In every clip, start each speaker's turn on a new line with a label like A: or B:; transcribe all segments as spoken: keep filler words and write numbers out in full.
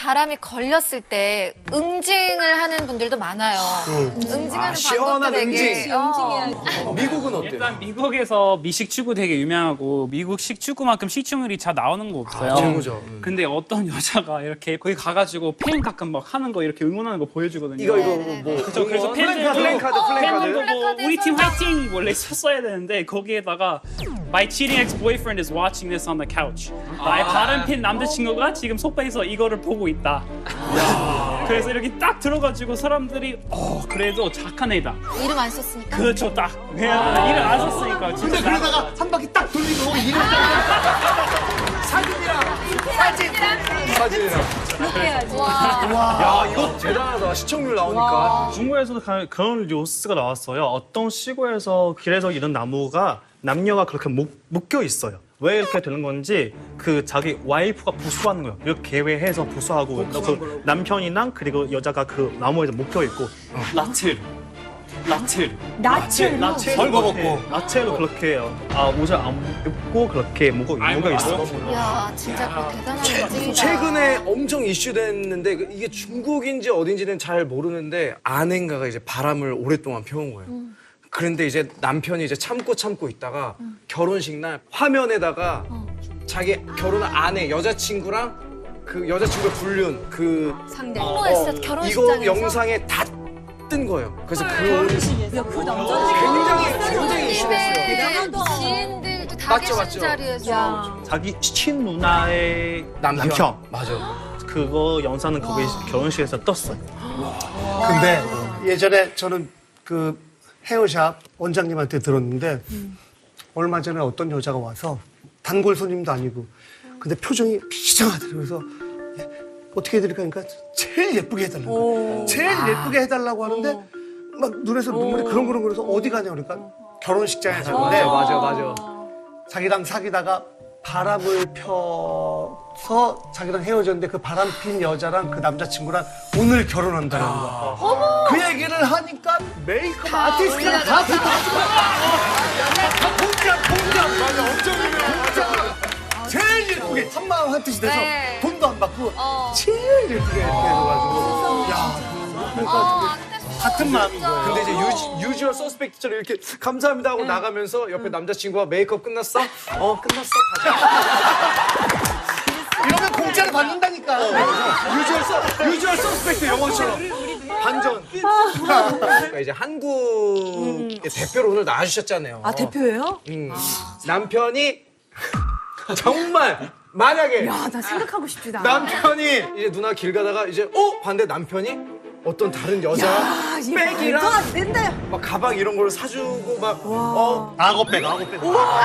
A: 바람이 걸렸을 때 응징을 하는 분들도 많아요. 음. 응징하는
B: 아, 시원한
A: 방법도 되게
B: 응징.
A: 어.
B: 미국은 어때요?
C: 일단 미국에서 미식축구 되게 유명하고 미국식 축구만큼 시청률이 잘 나오는 거 없어요.
B: 아, 최고죠. 음.
C: 근데 어떤 여자가 이렇게 거기 가가지고 팬 가끔 막 하는 거 이렇게 응원하는 거 보여주거든요.
B: 이거 이거
A: 네네네.
B: 뭐
C: 그쵸, 그래서
B: 플랜카드
C: 팬들도
B: 플랜카드 플랜카드
C: 팬들도 뭐 우리 팀 화이팅 원래 썼어야 되는데 거기에다가 My cheating ex-boyfriend is watching this on the couch. 나의 다른 팬 남자친구가 지금 소파에서 이거를 보고 있다. 그래서 이렇게 딱 들어가지고 사람들이 어 그래도 착한 애다.
A: 이름 안 썼으니까.
C: 그렇죠 딱. 그냥 이름 안 썼으니까 진짜.
D: 근데 그러다가 한 바퀴 딱 돌리고 이름
B: 사진이랑 야 이거 대단하다 시청률 나오니까
E: 중국에서도 가- 그런 뉴스가 나왔어요. 어떤 시골에서 길에서 이런 나무가 남녀가 그렇게 묶, 묶여 있어요. 왜 이렇게 되는 건지 그 자기 와이프가 부수하는 거예요. 이렇게 계획해서 부수하고 그 남편이랑 그리고 여자가 그 나무에 묶여 있고 라체로 라체로
F: 나체로?
E: 라체로
D: 벌거벗고.
E: 라체로 그렇게 해요. 아 옷을 안 입고 그렇게 묶어 묶여 있어.
A: 이야, 진짜 그 대단한 응징이다.
B: 최근에 엄청 이슈됐는데 그 이게 중국인지 어딘지는 잘 모르는데 아내인가가 이제 바람을 오랫동안 펴온 거예요. 그런데 이제 남편이 이제 참고 참고 있다가 결혼식 날 화면에다가 자기 결혼한 아내 여자친구랑 그 여자친구의 불륜 그
F: 상대.
A: 홍보했어,
B: 이거
A: 결혼식장에서.
B: 영상에 다 뜬 거예요. 그래서 그
F: 야, 그 남자는
B: 굉장히 굉장히 이슈됐어요.
A: 대단하다. 지인들도 다
B: 맞죠,
A: 계신
B: 맞죠.
A: 자리에서.
E: 자기 친 누나의
B: 남편.
E: 남편.
B: 맞아.
E: 그거 영상은 거기 결혼식에서 떴어요.
D: 근데 예전에 저는 그 헤어샵 원장님한테 들었는데 얼마 전에 어떤 여자가 와서 단골 손님도 아니고 근데 표정이 비장하더라고요. 그래서 예, 어떻게 해드릴까 하니까 제일 예쁘게 해달라고. 제일 예쁘게 해달라고 하는데 막 눈에서 눈물이 그렁그렁 그래서 어디 가냐 그러니까 결혼식장에 갔는데
B: 맞아 맞아.
D: 자기랑 사귀다가 바람을 펴서 자기랑 헤어졌는데 그 바람 핀 여자랑 그 남자친구랑 오늘 결혼한다는 거야. 그 얘기를 하니까 메이크업 아티스트랑 다 붙어가지고 다 공장 공장 맞아 엄청 유명한 제일 예쁘게 한마음 한뜻이 돼서
A: 네.
D: 돈도 안 받고
A: 어.
D: 제일 예쁘게 이렇게 해가지고 야 그러니까
A: 어, 근데
D: 같은 마음인 거예요.
B: 근데 이제 유지, 유주얼 서스펙트처럼 이렇게 감사합니다 하고 나가면서 옆에 남자친구가 메이크업 끝났어? 어 끝났어 가자.
D: 이러면 공짜로 받는다니까.
B: 유주얼 서 유주얼 서스펙트 영어처럼 반전. 그러니까 이제 한국의 대표로 오늘 나와주셨잖아요.
F: 아, 대표예요?
B: 음. 남편이 정말 만약에
F: 아, 나 생각하고 싶지도 않아.
B: 남편이 이제 누나 길 가다가 이제 어 반대 남편이 어떤 다른 여자
F: 아, 이게 말도
B: 백이랑
F: 안 된다.
B: 막 가방 이런 걸 사주고 막 어.
D: 악어백 악어백.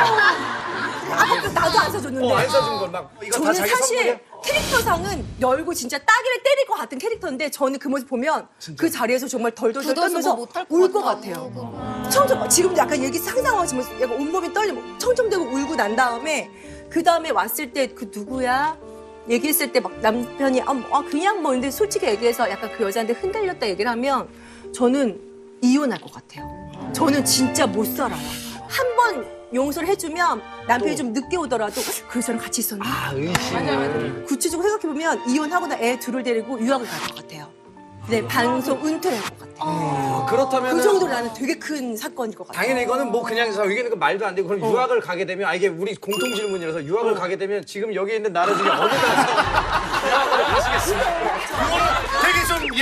F: 아, 나도 안 사줬는데.
B: 어, 안 사준 걸 막 이거 다
F: 저는
B: 자기
F: 사실
B: 선물이야?
F: 캐릭터상은 열고 진짜 따기를 때릴 것 같은 캐릭터인데 저는 그 모습 보면 그 자리에서 정말 덜덜덜
A: 굳어서
F: 떨면서
A: 뭐 못할
F: 울 것
A: 것
F: 같아요.
A: 같아요.
F: 청청 지금 약간 얘기 상상하시면 약간 온몸이 떨리고 청청대고 울고 난 다음에 그 다음에 왔을 때 그 누구야? 얘기했을 때 막 남편이 아, 아 그냥 뭐 근데 솔직히 얘기해서 약간 그 여자한테 흔들렸다 얘기를 하면 저는 이혼할 것 같아요. 저는 진짜 못 살아요. 한 번 용서를 해주면 남편이 좀 늦게 오더라도 그 여자랑 같이 있었나?
B: 아 의심.
F: 맞아요, 맞아요. 구체적으로 생각해보면 이혼하거나 애 둘을 데리고 유학을 갈 것 같아요. 네, 방송 은퇴를 할 것 같아요.
B: 어, 그렇다면
F: 그 정도로 나는 되게 큰 사건일 것 같아요.
B: 당연히 이거는 뭐 그냥 의견은 그 말도 안 되고 그럼 유학을 가게 되면 아 이게 우리 공통 질문이라서 유학을 가게 되면 지금 여기 있는 나라 중에 어느 나라에서 유학을 가시겠습니까?
D: 되게 좀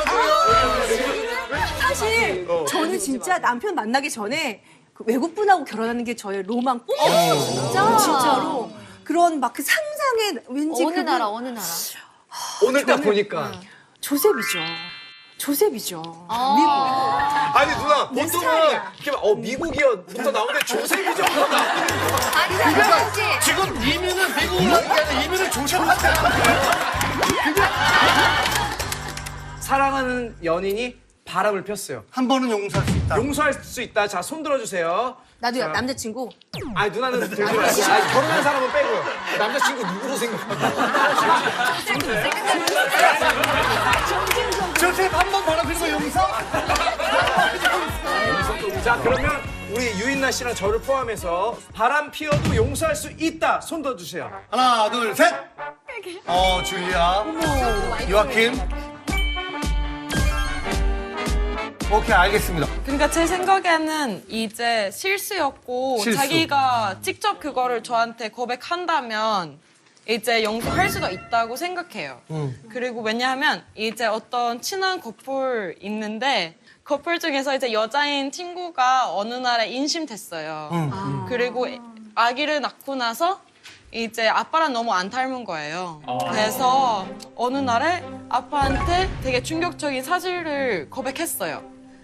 D: 예민하거든요.
F: 사실 저는 진짜 남편 만나기 전에 그 외국분하고 결혼하는 게 저의 로망 꿈이었어요.
A: 진짜?
F: 진짜로. 그런 막 그 상상의 왠지
A: 어느
F: 그분-
A: 나라, 어느 나라.
B: 오늘 딱 보니까
F: 조셉이죠. 조셉이죠.
A: 아.
B: 아니 누나 보통은
F: 스타일이야.
B: 이렇게 막, 어 미국이요부터 나오는데 조셉이죠.
A: 아니, 잠깐만 씨.
D: 지금 이민은 미국으로 가는 게 아니라 이민은 조선한테
B: 사랑하는 연인이 바람을 폈어요.
D: 한 번은 용서할 수 있다.
B: 용서할 수 있다. 자 손 들어주세요.
F: 나도
B: 자.
F: 남자친구.
B: 아니 누나는 들지 마시고 아니, 결혼한 사람은 빼고요. 남자친구 누구로 생각하세요?
D: 조셉 한 번 바람 피는 거 용서?
B: 자 그러면 우리 유인나 씨랑 저를 포함해서 바람 피어도 용서할 수 있다. 손 들어주세요.
D: 하나 둘 셋. 어, 줄리아. 요아킴. 오케이, 알겠습니다.
G: 그러니까 제 생각에는 이제 실수였고
D: 실수.
G: 자기가 직접 그거를 저한테 고백한다면 이제 용서할 수도 있다고 생각해요.
D: 음.
G: 그리고 왜냐하면 이제 어떤 친한 커플 있는데 커플 중에서 이제 여자인 친구가 어느 날에 임신됐어요.
D: 음.
G: 그리고 아기를 낳고 나서 이제 아빠랑 너무 안 닮은 거예요. 그래서 어느 날에 아빠한테 되게 충격적인 사실을 고백했어요.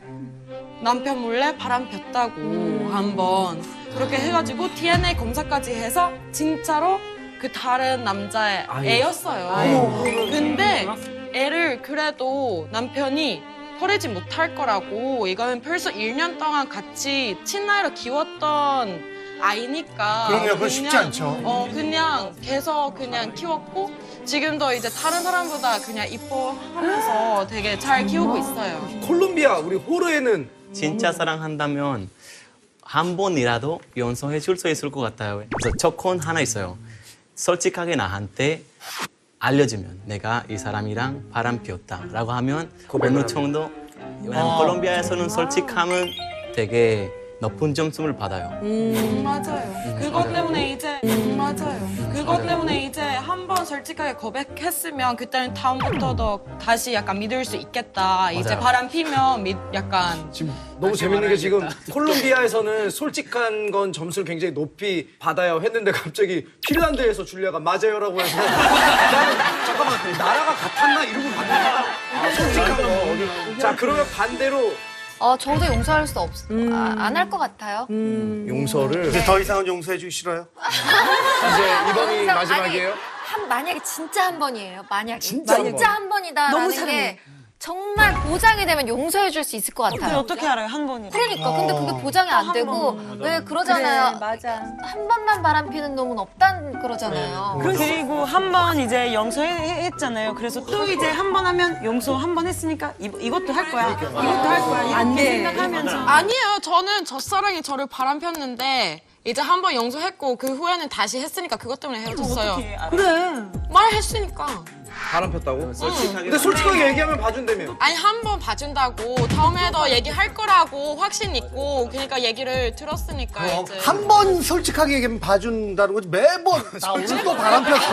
G: 남편 몰래 바람 폈다고 한번 그렇게 해가지고 디엔에이 검사까지 해서 진짜로 그 다른 남자의 애였어요. 근데 애를 그래도 남편이 버리지 못할 거라고 이거는 벌써 일 년 동안 같이 친아이로 키웠던 아이니까
D: 그럼요, 그건 쉽지 않죠.
G: 어 그냥 계속 그냥 키웠고 지금도 이제 다른 사람보다 그냥 이뻐하면서 되게 잘 키우고 있어요.
B: 콜롬비아 우리 호르에는
H: 진짜 사랑한다면 한 번이라도 용서해 줄 수 있을 것 같아요. 그래서 조건 하나 있어요. 솔직하게 나한테 알려주면 내가 이 사람이랑 바람 피웠다라고 하면 어느 정도 왜냐면 콜롬비아에서는 솔직함은 되게 높은 점수를 받아요.
G: 음, 맞아요. 그것 때문에 이제 음, 맞아요. 그것 때문에 이제 한 번 솔직하게 고백했으면 그때는 다음부터도 다시 약간 믿을 수 있겠다. 이제 바람 피면 믿, 약간
B: 지금 너무 재밌는 게 지금 콜롬비아에서는 솔직한 건 점수를 굉장히 높이 받아요 했는데 갑자기 핀란드에서 줄리아가 맞아요라고 해서 나는 잠깐만 나라가 같았나 이러고 봤는데 아, 솔직한 거 어디 자 그러면 반대로
A: 어, 저도 용서할 수 없, 아, 안 할 것 같아요.
B: 용서를
D: 이제 더 이상은 용서해 주기 싫어요?
B: 이제 이번이
A: 항상-
B: 마지막이에요?
A: 아니, 한, 만약에 진짜 한 번이에요. 만약에.
B: 진짜 한
A: 진짜 한 번이다라는
F: 너무
A: 게
F: 사랑해.
A: 정말 보장이 되면 용서해 줄 수 있을 것 같아요.
G: 어떻게 알아요? 한 번이라.
A: 그러니까 근데 그게 보장이 안 되고 왜 그러잖아요.
F: 맞아.
A: 한 번만 바람 피는 놈은 없단 그러잖아요.
I: 그리고 한 번 이제 용서했잖아요. 그래서 또 이제 한 번 하면 용서 한 번 했으니까 이, 이것도 할 거야. 이것도 할 거야.
F: 안
I: 이렇게
F: 돼.
I: 생각하면서.
G: 아니에요. 저는 첫사랑이 저를 바람 폈는데 이제 한 번 용서했고 그 후에는 다시 했으니까 그것 때문에 헤어졌어요.
I: 그래.
G: 말했으니까.
B: 바람 폈다고? 근데 솔직하게 얘기하면 봐준다며
G: 아니 한 번 봐준다고 다음에도 얘기할 거라고 확신 있고 그러니까 얘기를 들었으니까
D: 어,
G: 이제
D: 한 번 솔직하게 얘기하면 봐준다는 거지 매번 나 오늘도 바람 폈어.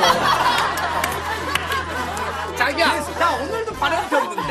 B: 자기야 나 오늘도 바람 폈는데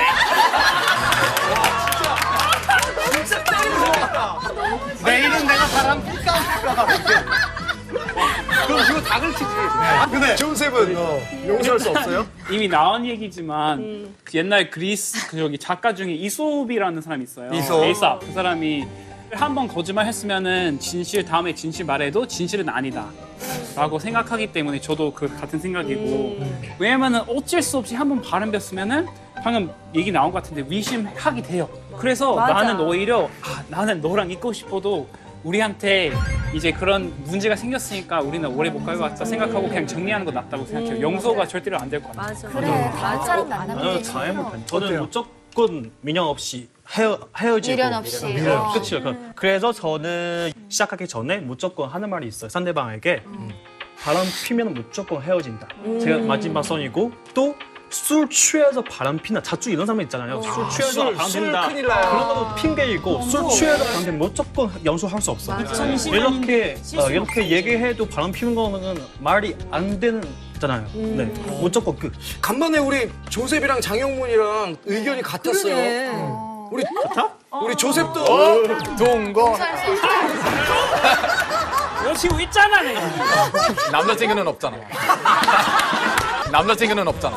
D: 내일은 내가 바람 필까 말까.
B: 그럼 이거 다 긁히지
D: 근데
B: 조셉은 용서할 수 없어요?
C: 이미 나온 얘기지만 그 옛날 그리스 그 여기 작가 중에 이솝이라는 사람이 있어요.
D: 이솝.
C: 에이삽. 그 사람이 한 번 거짓말 했으면은 진실 다음에 진실 말해도 진실은 아니다. 라고 생각하기 때문에 저도 그 같은 생각이고 왜냐면은 어쩔 수 없이 한 번 바람 폈으면은 방금 얘기 나온 것 같은데 의심하게 돼요. 그래서 나는 오히려 아, 나는 너랑 있고 싶어도 우리한테 이제 그런 문제가 생겼으니까 우리는 오래 못 갈 것 같다 생각하고 그냥 정리하는 거 낫다고 생각해요. 용서가 절대로 안 될 것 같아요.
F: 맞아.
A: 그래, 다른 사람 만나면
E: 저는
A: 되지.
E: 잘못한. 저는 무조건 민영 없이 헤어 헤어지고
A: 미련 없이.
E: 네,
A: 어.
E: 그렇죠. 그- 그래서 저는 시작하기 전에 무조건 하는 말이 있어요. 상대방에게 바람 피면 무조건 헤어진다. 제가 마지막 선이고 또 술 취해서 바람 피나 자주 이런 사람 있잖아요. 술 취해서
B: 술,
E: 바람
B: 술
E: 핀다.
B: 큰일 나요.
E: 그런 것도 핑계이고 술 취해서 바람 피면 무조건 연수할 수 없어. 이렇게 어, 이렇게 얘기해도 바람 피는 거는 말이 안 되잖아요. 네, 무조건 끝.
B: 간만에 우리 조셉이랑 장영문이랑 의견이 같았어요
F: 그러네.
B: 어. 우리 우리 조셉도 동거
C: 여자친구 있잖아. 내가.
J: 남자친구는 없잖아. 남자친구는 없잖아.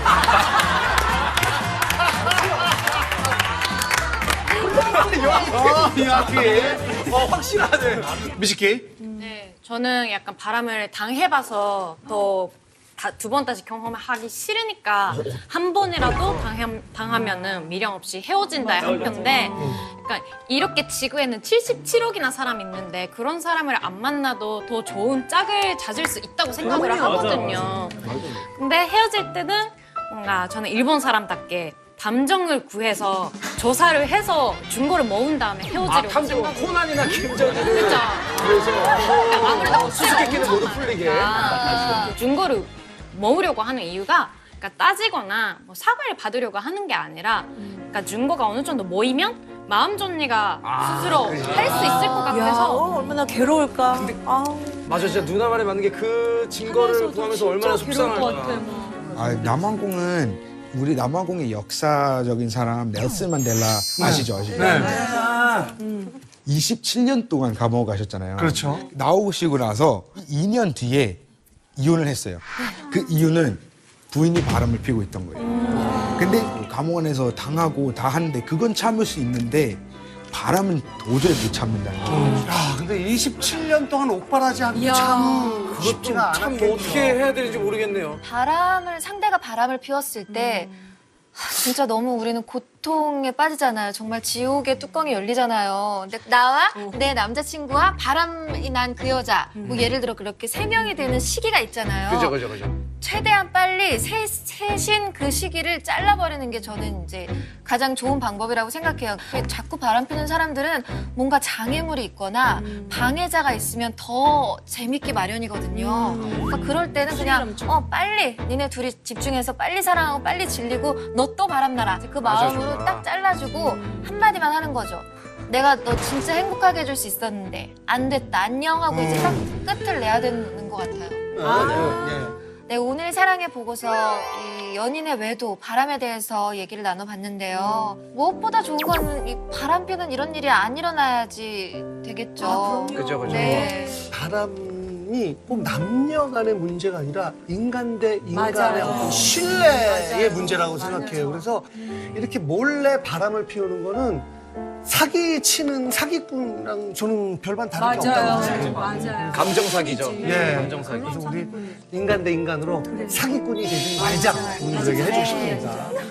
B: 이야기 어 확실하네
D: 미식기.
K: 네, 저는 약간 바람을 당해봐서 더 두 번 다시 경험하기 싫으니까 한 번이라도 당함, 당하면은 미련 없이 헤어진다의 한 표인데 그러니까 이렇게 지구에는 칠십칠억이나 사람 있는데 그런 사람을 안 만나도 더 좋은 짝을 찾을 수 있다고 생각을 하거든요. 근데 헤어질 때는 뭔가 저는 일본 사람답게 감정을 구해서 조사를 해서 증거를 모은 다음에 헤어지려고
B: 아 탐정
K: 생각을
B: 코난이나 김정일을
K: 그렇죠.
B: 그래서
K: 아무래도
B: 수수께끼는 모두 풀리게
K: 아, 증거를 모으려고 하는 이유가 그러니까 따지거나 뭐 사과를 받으려고 하는 게 아니라 그러니까 증거가 어느 정도 모이면 마음 정리가 스스로 할 수 있을 것
F: 야,
K: 같아서
F: 어, 얼마나 괴로울까. 아우.
B: 맞아, 진짜 누나 말에 맞는 게 그 증거를 구하면서 얼마나 속상할까.
L: 아, 남아공은 우리 남아공의 역사적인 사람 넬슨 만델라 아시죠? 아시죠?
D: 네.
L: 이십칠 년 동안 감옥 가셨잖아요.
D: 그렇죠.
L: 나오시고 나서 이 년 뒤에 이혼을 했어요. 그 이유는 부인이 바람을 피우고 있던 거예요. 근데 감옥원에서 당하고 다 하는데 그건 참을 수 있는데 바람은 도저히 못 참는다는 거예요.
D: 야, 근데 이십칠 년 동안 옥바라지 하는 게 참 쉽지가
B: 참
D: 않았겠죠.
B: 뭐 어떻게 해야 되는지 모르겠네요.
A: 바람을 상대가 바람을 피웠을 때 하, 진짜 너무 우리는 고통에 빠지잖아요. 정말 지옥의 뚜껑이 열리잖아요. 근데 나와 내 남자친구와 바람이 난 그 여자 뭐 예를 들어 그렇게 세 명이 되는 시기가 있잖아요.
B: 그죠, 그죠, 그죠.
A: 최대한 빨리 세, 셋인 그 시기를 잘라버리는 게 저는 이제 가장 좋은 방법이라고 생각해요. 자꾸 바람 피는 사람들은 뭔가 장애물이 있거나 방해자가 있으면 더 재밌기 마련이거든요. 그러니까 그럴 때는 그냥 어 빨리 니네 둘이 집중해서 빨리 사랑하고 빨리 질리고 너 또 바람나라. 그 마음으로 딱 잘라주고 한마디만 하는 거죠. 내가 너 진짜 행복하게 해줄 수 있었는데 안 됐다 안녕 하고 이제 딱 끝을 내야 되는 것 같아요. 네, 오늘 사랑해 보고서 이 연인의 외도, 바람에 대해서 얘기를 나눠봤는데요. 무엇보다 좋은 건 이 바람 피는 이런 일이 안 일어나야지 되겠죠.
B: 그죠, 그죠.
A: 네.
D: 바람이 꼭 남녀 간의 문제가 아니라 인간 대 인간의
F: 맞아요.
D: 어떤 신뢰의
F: 맞아요.
D: 문제라고 생각해요. 그래서 이렇게 몰래 바람을 피우는 거는 사기 치는 사기꾼이랑 저는 별반 다른 게 없다고 생각해요.
F: 맞아요.
B: 감정 사기죠.
D: 예.
B: 감정 사기.
D: 그래서 우리 인간 대 인간으로 사기꾼이 되지 말자. 오늘 얘기 해주고 싶습니다.